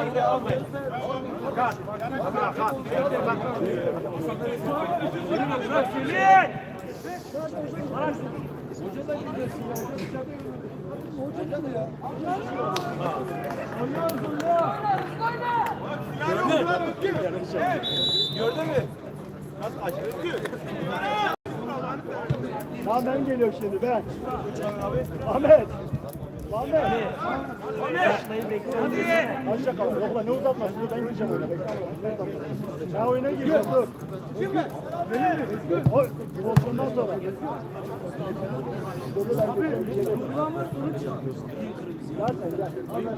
Gördün mü? Ya ben geliyorum şimdi ben. Ahmet. Ahmet. Azıcık al. Yok lan ne uzatmasın. Ben gireceğim oyuna. Ya oyuna gireceğim dur. Oy. Olsundan sonra. Gel sen gel.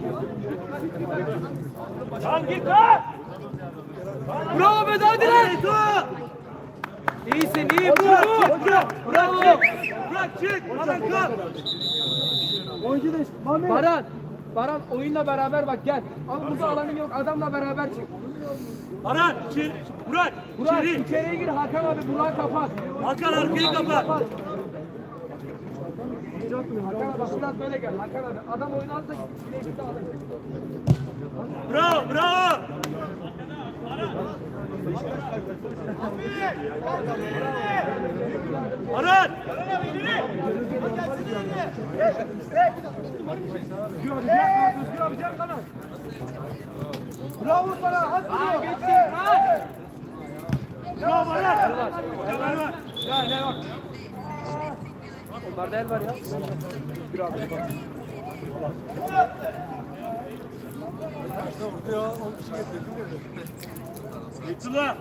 Tamam git lan! Bravo be hadi lan! İyisin iyi vur! Bravo! Bırak çık! Baran kal! Oyuncu da Mehmet. Baran oyunla beraber bak gel. Burada alanım yok adamla beraber çık. Baran içeri! Burak! Burak İçeri! içeriye gir Hakan abi Burak'ı kapat. Hakan arkayı kapat! Hakan abi şuradan böyle gel Hakan abi. Adam oyunu alsa bileşikte alır. Bravo! Bravo! Baran! Bravo sana hadi. Bravo Baran! Ya ne bak. Onlarda el var ya. Yıktılar!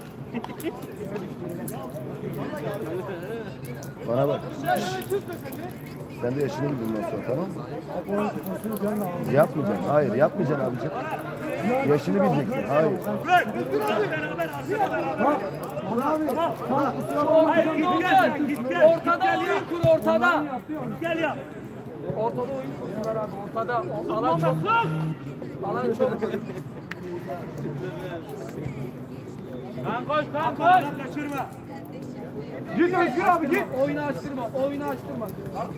Bana bak. Sen de yaşını bil bundan sonra, tamam mı? Yapmayacaksın. Hayır, yapmayacaksın abicim. Yaşını bileceksin. Hayır. Bırak! Beraber Hayır, git gel! Ortada oyun kur ortada. Gel ya! Ortada oyun kursunlar abi ortada. Alan çok. Alan çok. Kan koş, kan koş! Kaçırma! Git Özgür abi git. Oyunu açtırma. Oyunu açtırma.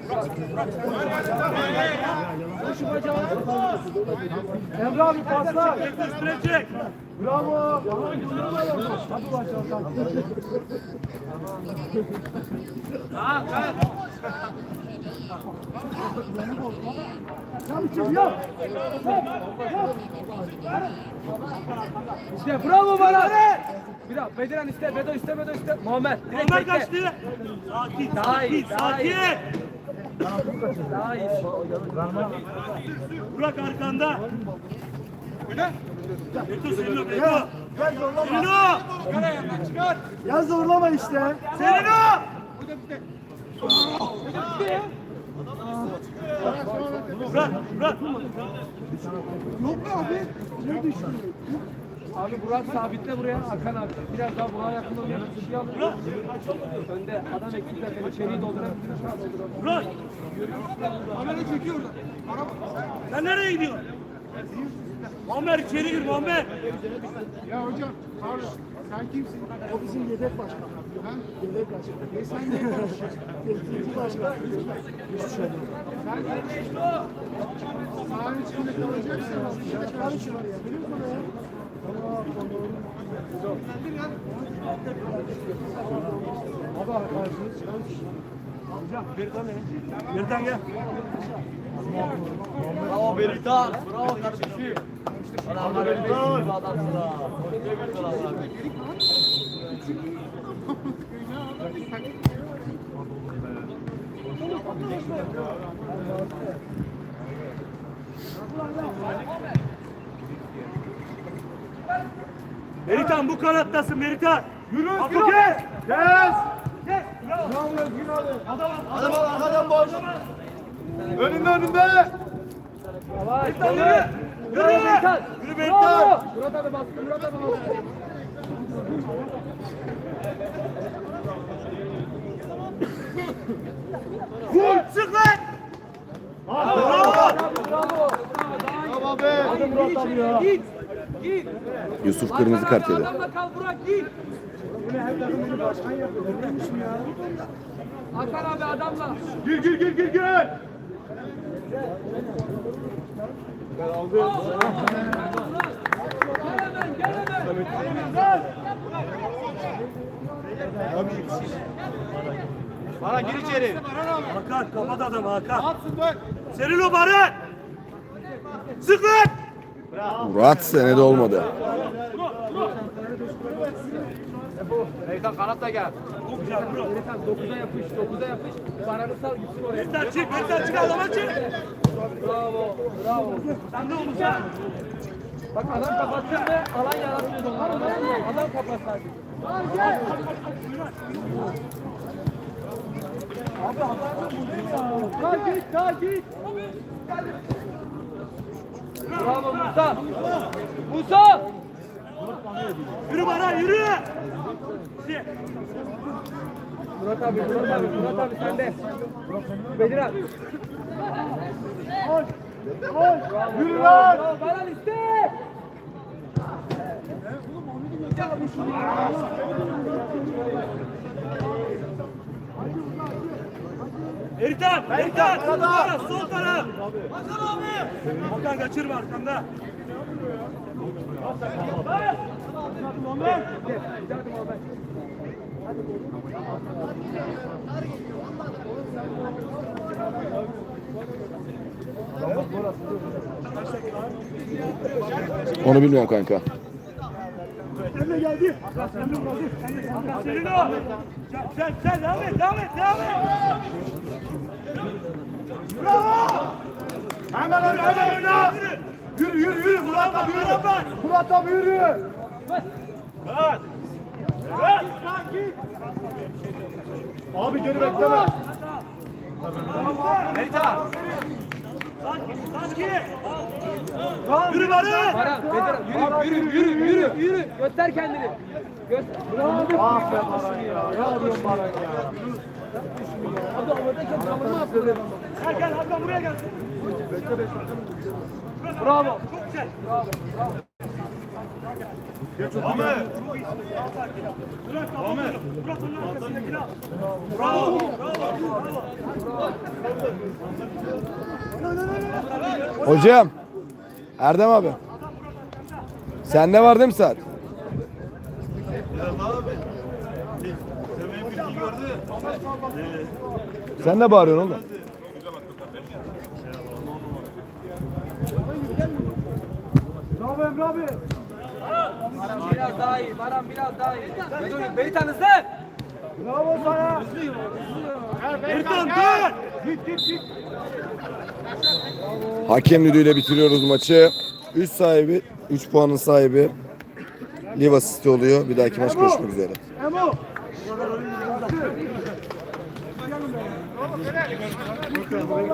Koşu bacağı. Emre abi pasla. Üstüne çek! Bravo. Hadi başlayalım. İşte bravo bana. Biraz Bediren iste, Bedo iste, Bedo iste. Muhammed direkt Onlar bekle. kaçtı! Sakin, Daha iyi, sakin, daha iyi. sakin! Daha iyi. Burak arkanda! Beto Selino, Beto! Selino! Ya zorlama işte. Selino! Burak, Burak! Yok abi. Ne düşüyor? Abi Burak sabitle buraya. Hakan abi. Biraz daha Burak'a yakın olmayan bir şey alın. Önde adam eksik zaten. İçeriği doldurabilir. Burak! Sen nereye gidiyorsun? Muammer içeri gir Muammer! Ya hocam, pardon. Sen kimsin? O bizim yedek başkan. Ha? Yedek başkan. Sen ne konuşuyorsun? Temsilci başkan. Sen sahanın içinde kalacaksın. Karışıyor ya. Biliyor musun ya? Abi arkadaşınız. Yerden gel. Bravo Berita. Bravo kardeşim. Adamlar önde şimdi adamsın ha. Meritan bu kanattasın Meritan. Yürü Apo Özgür abi. gel. Gel. Gel. Bravo Özgür abi. Adam Adam arkadan boş. Önünde önünde. Yavaş. Meritan yürü. Bravo Yürü. Berita. Yürü Bravo. Meritan. Murat abi baskı. Murat abi baskı. Vur. Sık lan. Bravo. Bravo. Tamam be. Hadi Murat abi ya. Git. Git. Yusuf kırmızı Hakan kart abi, yedi. Adamla kal Burak git. Yine her takım beni başkan yapıyor. Neymiş mi ya? Hakan abi adamla. Gir. Baran gir içeri. Hakan kapat adamı Hakan. Serin o Baran. Sık lan. Murat senede olmadı. Beytan kanat da gel. Çok güzel bro. Beytan 9'a yapış, 9'a yapış. Baran'ı sal gitsin oraya. Ertan çık, Ertan çık adama çık. Bravo, bravo. Sen ne oldu sen? Bak adam kapatsın ve alan yaratmıyor onlar. Adam kapat sadece. Takip. Bravo Musa. Musa. Yürü Baran yürü. Murat abi sen de. Bedir abi. Yürü lan. Bravo Baran iste. Ertan, sol taraf, sol taraf. Hakan abi. Hakan kaçırma arkanda. Onu bilmiyorum kanka. Emre geldi. Hakan senin o. Sen devam et. Bravo. Hemen öyle. Yürü. Murat abi yürü. Murat abi yürü. Abi geri bekleme. Beytan. Sanki. Yürü Baran. Baran, Bedir yürü. Göster kendini. Bravo. Aferin Baran ya. Ne yapıyorsun Baran ya? Abi havadayken savunma yapıyor. Gel Hakan buraya gel. Bravo. Çok güzel. Murat onun arkasındakini al. Bravo. Hocam. Erdem abi. Sende var değil mi saat? Sen ne bağırıyorsun oğlum? Bravo Emre abi. Baran biraz daha iyi. Beytan hızlı. Bravo sana. Ertan dön. Git. Hakem düdüğüyle bitiriyoruz maçı. 3 puanın sahibi Liva City oluyor. Bir dahaki maç görüşmek üzere. Emo.